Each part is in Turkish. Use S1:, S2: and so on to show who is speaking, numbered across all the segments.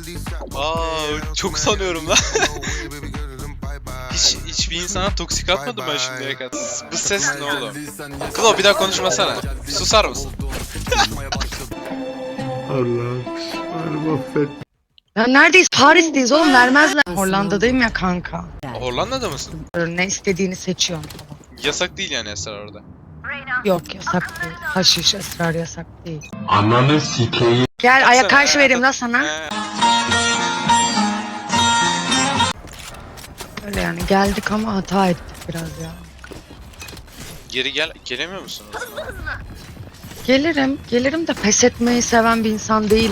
S1: Çok sanıyorum lan. Hiçbir insana toksik atmadım ben şimdiye kadar. Bu ses ne oğlum? Klo bir daha konuşmasana. Susar mısın?
S2: Allah'ım affet.
S3: Ya neredeyiz? Paris'teyiz oğlum, vermezler. Hollanda'dayım ya kanka.
S1: Hollanda'da mısın?
S3: Ne istediğini seçiyorum.
S1: Yasak değil yani esrar orada.
S3: Yok, yasak değil. Haşiş, esrar yasak değil.
S2: Ananı sikeyim.
S3: Gel aya karşı vereyim la sana. Öyle yani geldik ama hata ettik biraz ya.
S1: Geri gelemiyor musun?
S3: Gelirim de pes etmeyi seven bir insan değilim.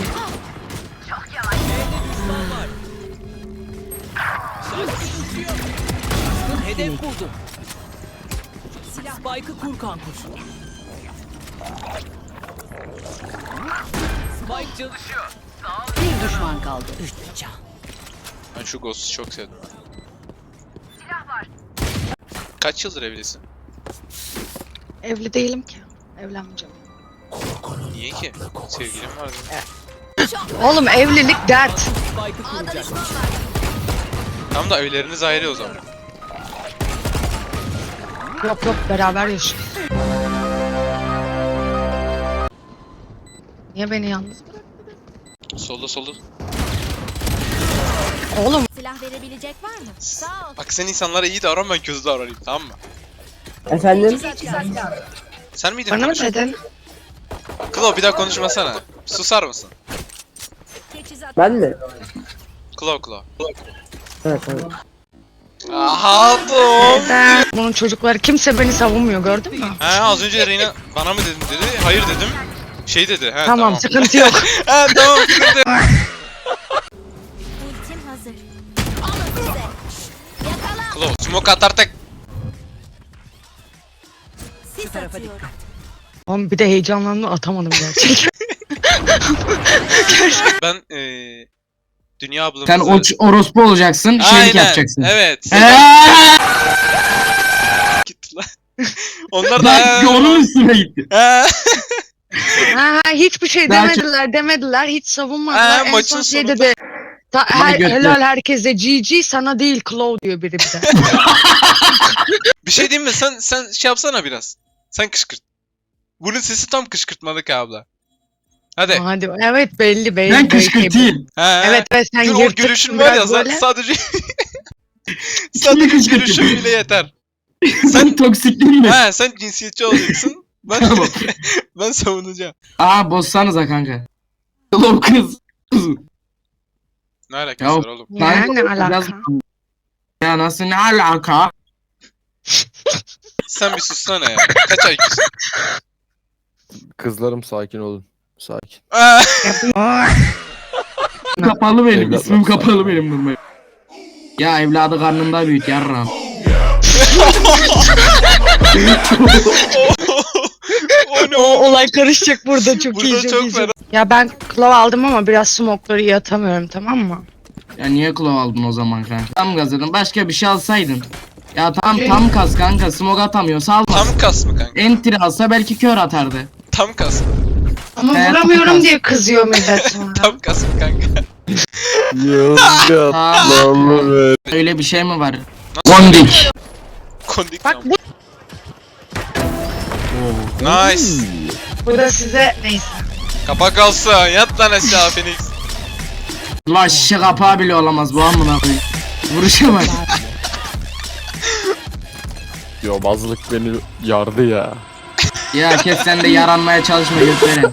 S4: Hedef buldum. Spike'ı kur kankuş. Spike çalışıyor.
S5: Bir düşman kaldı. Üç can.
S1: Ben şu Ghost'u çok sevdim. Kaç yıldır evlisin?
S3: Evli değilim ki. Evlenmeyeceğim.
S1: Niye ki? Sevgilim vardı.
S3: Oğlum evlilik dert.
S4: Spike'ı kuracak.
S1: Tam da evleriniz ayrı o zaman.
S3: Yok beraber yaşıyoruz. Niye beni yalnız bıraktın?
S1: Solda.
S3: Oğlum
S6: Silah verebilecek var mı? Sağ ol.
S1: Bak sen insanlara iyi davran, ben kötü davranayım, tamam mı?
S7: Efendim?
S1: Sen miydin?
S3: bana mı
S1: konuşan?
S3: dedin?
S1: Klo bir daha konuşmasana. Susar mısın?
S6: Teçhizat.
S7: Ben mi?
S1: Klo.
S7: Evet tamam.
S1: Aha dur.
S3: Neden? Bunun çocukları kimse beni savunmuyor, gördün mü?
S1: He az önce Reyna bana mı dedin dedi. Hayır dedim. Şey dedi. He
S3: Tamam, sıkıntı yok.
S1: He tamam sıkıntı yok.
S6: Ultim hazır. Alın size. Yakala.
S1: Klo smoke atar tek.
S6: Sis
S5: tarafa
S6: atıyorum.
S3: Oğlum bir de heyecanlandım, atamadım gerçekten.
S1: Ben Dünya ablamızı...
S8: Sen orospu olacaksın, şeylik yapacaksın.
S1: Evet. Gitti lan. Onlar da...
S8: Ben onun üstüne gitti.
S3: Ha, hiçbir şey
S8: Belki-
S3: demediler, hiç savunmadılar. En
S1: maçın
S3: son şey
S1: sonunda-
S3: dedi.
S8: göster.
S3: Helal herkese, GG sana değil Claw diyor biri bir de.
S1: Bir şey diyeyim mi? Sen şey yapsana biraz. Sen kışkırt. Bunun sesi tam kışkırtmalık abla. Hadi.
S3: Hadi evet, belli
S8: Ben kışkırtayım.
S1: He.
S3: Evet sen
S1: Gül, o
S3: yırtık
S1: gülüşün var ya
S3: biraz böyle.
S1: sadece...
S8: Kimi
S1: sadece
S8: kışkırtayım?
S1: gülüşün bile yeter.
S8: Sen toksikliğin mi?
S1: He sen cinsiyetçi olacaksın. Ben
S8: Tamam.
S1: ben savunacağım.
S8: Aa bozsanıza kanka. Oğlum kız.
S1: Ne alakası
S8: Ya-
S1: var oğlum?
S3: Ya, ne alaka?
S8: Biraz- Ya nasıl ne alaka?
S1: Sen bir sussana ya. Kaç IQ'sun?
S9: Kızlarım sakin olun. Sakin.
S8: Kapalı benim.
S9: Evlatlar
S8: İsmim
S9: sakin.
S8: kapalı benim durmayı. Ya evladı karnında büyüt yarram.
S1: O ne
S3: O
S1: o?
S3: olay karışacak burada, çok
S1: Burada
S3: iyi.
S1: çok
S3: iyi.
S1: fena.
S3: Ya ben Claw aldım ama biraz smoke'ları iyi atamıyorum, tamam mı?
S8: Ya niye kulağı aldın o zaman kanka? Tam gazladın. Başka bir şey alsaydın. Ya tam kas kanka. Smoke atamıyor. Salmaz.
S1: Tam kas mı kanka?
S8: Entry alsa belki kör atardı.
S1: Tam kas mı?
S3: Ama
S8: Evet,
S3: vuramıyorum
S8: çok
S3: diye kızıyor millet sonra.
S1: Tam kas mı kanka?
S9: Yozgat
S8: Aa,
S9: lan be.
S8: öyle bir şey mi var? Kondik.
S1: Kondik
S3: Bak
S1: tam. Nice.
S3: bu da size neyse.
S1: Kapak kalsın. Yat lan aşağı Phoenix.
S8: La şişe kapağı bile olamaz bu amına koyayım. Vuruşa bak.
S9: Yobazlık beni yardı ya.
S8: Ya kes sen de yaranmaya çalışma götüren.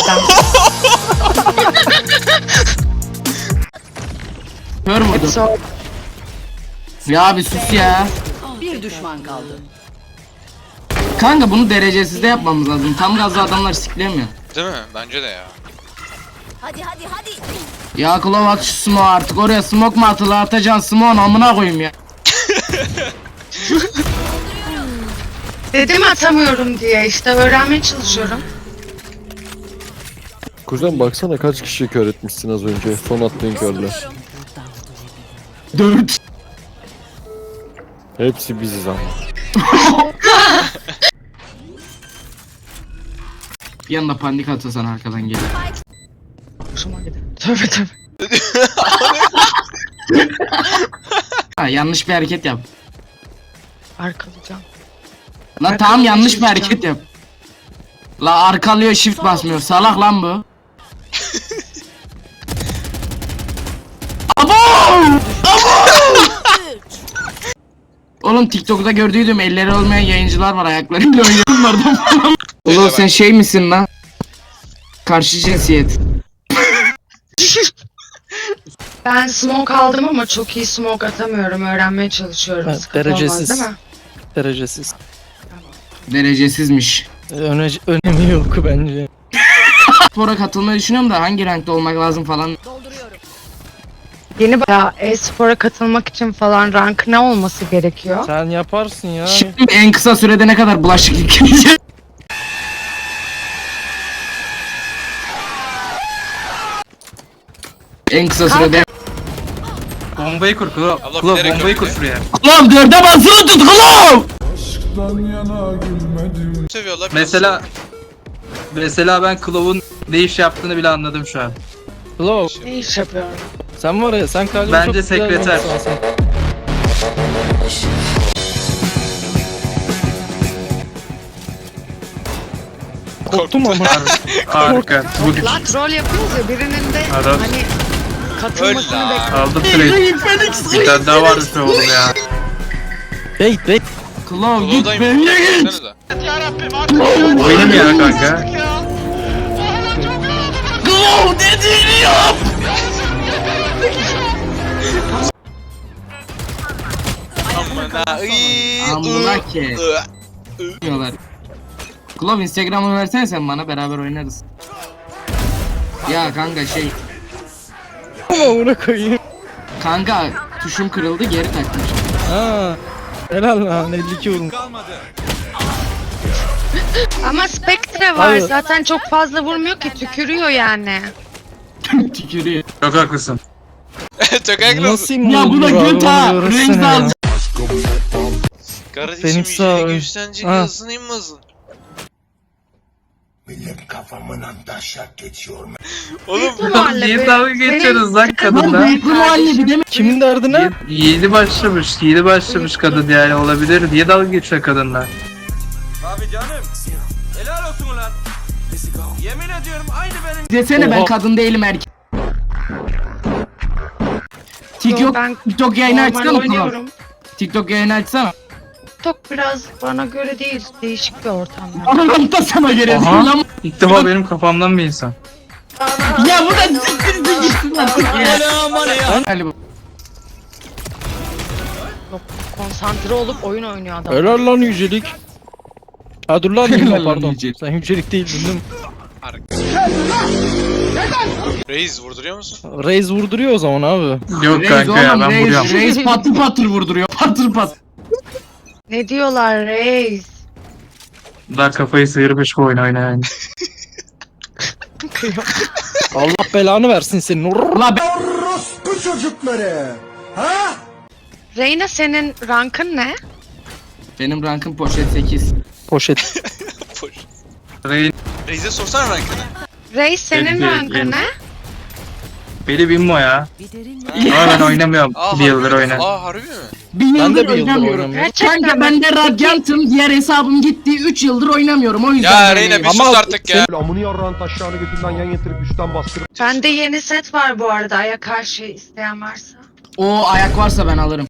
S8: Kör müydü?
S3: So,
S8: Ya bir sus ya.
S5: Bir düşman kaldı.
S8: Kanka bunu derecesiz de yapmamız lazım. Tam gazlı adamlar siklemiyor.
S1: Değil mi? Bence de ya.
S6: Hadi.
S8: Ya Klov at şu smoke artık. Oraya smoke mu atılı, atacaksın smoke'un amına koyayım ya.
S3: dedim atamıyorum diye, işte öğrenmeye çalışıyorum.
S9: Kuzen baksana kaç kişi kör etmişsin az önce. Son attığın körle.
S8: 4.
S9: Hepsi biziz ama.
S8: Bir anda panik atılsan arkadan gelir.
S3: Hoşuma gider. Tövbe.
S8: Ha, yanlış bir hareket yap.
S3: Arkalayacağım.
S8: Lan tamam yanlış bir hareket yap. La arkalıyor shift basmıyor. Salak lan bu. Abo! Oğlum TikTok'ta gördüydüm elleri olmayan yayıncılar var ayaklarıyla oynuyorlardı falan. Oğlum sen şey misin lan? Karşı cinsiyet.
S3: Ben smoke aldım ama çok iyi smoke atamıyorum. Öğrenmeye çalışıyorum.
S10: Evet,
S3: Sıkıntı olmaz,
S10: derecesiz.
S3: değil mi?
S10: Derecesiz.
S8: Derecesizmiş.
S10: Önemi yok bence.
S8: Spora katılmayı düşünüyorum da hangi rankta olmak lazım falan.
S3: Yeni ya e-spora katılmak için falan rank ne olması gerekiyor?
S10: Sen yaparsın ya.
S8: Şimdi en kısa sürede ne kadar bulaşık yıkayacak? En kısa sürede.
S10: Bombayı kur Klov.
S1: Abla
S10: Klov
S1: bilerek
S10: bombayı kur
S1: öldü.
S10: şuraya.
S8: Klov dörde basılı tut Klov!
S1: Seviyorlar.
S10: Mesela ben Klov'un ne iş yaptığını bile anladım şu an. Klov
S3: Ne iş yapıyorum?
S10: sen var ya sen kalbim
S4: Bence
S10: çok güzel
S4: sekreter.
S10: adamsın sen. Korktum ama.
S4: Harika. Bu
S3: Lan troll yapıyoruz ya birinin de
S4: Adam.
S3: hani katılmasını
S1: Öyle.
S3: bekliyorum.
S4: aldım trade. Bir tane daha vardı şu oğlum ya.
S10: Bait.
S8: Klov git
S1: Klow'dayım.
S8: benimle git!
S1: Baksana da.
S4: Benim ya kanka.
S8: Klov dediğini yap!
S1: Amına.
S8: Amına ki. Diyorlar. Klov Instagram'ı versene sen bana beraber oynarız. Ya kanka şey.
S10: Amına koyayım.
S8: Kanka tuşum kırıldı geri takmış.
S10: Ha. Helal lan 52 vurmuş.
S3: Ama Spectre var
S10: Hayır.
S3: zaten çok fazla vurmuyor ki tükürüyor yani.
S8: Tükürüyor.
S4: Çok haklısın.
S1: Çok agresif.
S10: Nasıl
S8: Ya bu da göt ha. Renk al.
S1: Kardeşim
S10: Benim sağ-
S1: yüzünü güçlenecek
S10: Ha.
S1: hızın inmazın. Oğlum
S4: Niye dalga geçiyorsunuz lan
S8: Lan
S4: kadınla?
S8: bıyıklı muhallebi deme.
S10: Kimin derdine?
S4: Yeni başlamış kadın yani olabilir. Niye dalga geçiyor kadınla?
S8: Desene ben
S10: Oha.
S8: kadın değilim erkek.
S3: Yo, ben
S8: TikTok yayını
S3: normal
S8: açsana Klov.
S3: oynuyorum.
S8: TikTok yayını açsana.
S3: TikTok biraz bana göre değil, değişik bir ortam. yani.
S8: Anam da sana göre
S4: Aha.
S8: değil lan.
S4: İlk defa benim kafamdan bir insan.
S8: Ya bu da siktir gitsin artık ya. Hadi bu.
S3: Konsantre olup oyun oynuyor adam.
S10: Helal lan yücelik. Ha dur lan
S8: Helal
S10: Nilma
S8: lan
S10: pardon.
S8: yücelik.
S10: Sen yücelik değildin değil mi?
S1: Reis vurduruyor musun?
S10: Reis vurduruyor o zaman abi.
S4: Yok
S8: Reis
S4: kanka ya
S8: oğlum
S4: ben vuruyorum.
S8: reis patır patır vurduruyor. Patır patır.
S3: Ne diyorlar reis?
S4: Daha kafayı sıyırmış bu oyun yani.
S10: Allah belanı versin senin.
S8: La be.
S3: Reyna senin rankın ne?
S8: Benim rankım poşet 8.
S10: Poşet.
S1: Boş.
S4: Reyn
S1: Reis'e sorsana rankını.
S3: Reis senin
S4: Benim-
S3: rankın
S4: benim-
S3: ne?
S4: beni binmo ya. Ama ben oynamıyorum. Bir yıldır oynar.
S1: Harbi mi?
S8: Bir
S10: Ben de
S8: yıldır
S10: bir yıldır
S8: oynamıyorum.
S10: oynamıyorum.
S8: Kanka ben de Radiant'ım. Diğer hesabım gitti. 3 yıldır oynamıyorum. O yüzden
S1: Ya
S8: böyle
S1: Reyna bir
S10: Ama
S1: sus artık ya.
S2: Amını yarrağın taşlarını götünden yan yatırıp üstten bastırıp.
S3: Bende yeni set var bu arada. Aya karşı isteyen varsa.
S8: O ayak varsa ben alırım.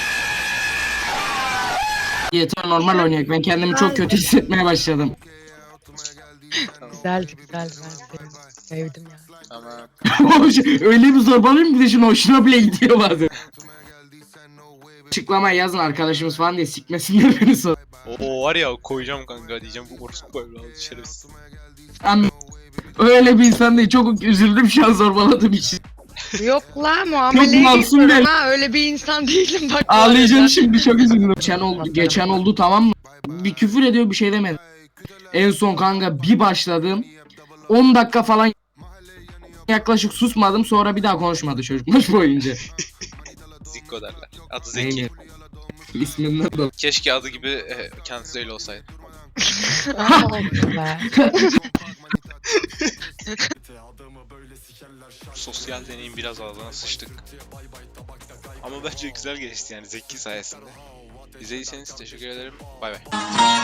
S8: Yeter normal oynayak. Ben kendimi çok kötü hissetmeye başladım.
S3: Güzeldi güzeldi ben sevdim. Sevdim ya.
S1: Tamam.
S8: Öyle bir zorbalıyım bir de şunu hoşuna bile gidiyor bazen. Açıklamaya yazın arkadaşımız falan diye sikmesinler beni sonra.
S1: Oo var ya koyacağım kanka diyeceğim bu orospu böyle aldı şerefsiz.
S8: Öyle bir insan değil. Çok üzüldüm şu an zorbaladığım için.
S3: Yok la muameleye
S8: masum
S3: geçiyorum
S8: değil.
S3: ha öyle bir insan değilim bak. bu
S8: Ağlayacağım
S3: arada.
S8: şimdi çok üzüldüm. Geçen oldu tamam mı? Bir küfür ediyor bir şey demedi. En son kanka bir başladım. 10 dakika falan yaklaşık susmadım sonra bir daha konuşmadı çocuk maç boyunca.
S1: Zikko derler. Adı Zeki.
S8: Aynen. İsminden de.
S1: Keşke adı gibi kendisi öyle olsaydı.
S3: Ama oldu be.
S1: Sosyal deneyim biraz ağzına sıçtık. Ama bence güzel geçti yani Zeki sayesinde. İzlediyseniz teşekkür ederim. Bay bay.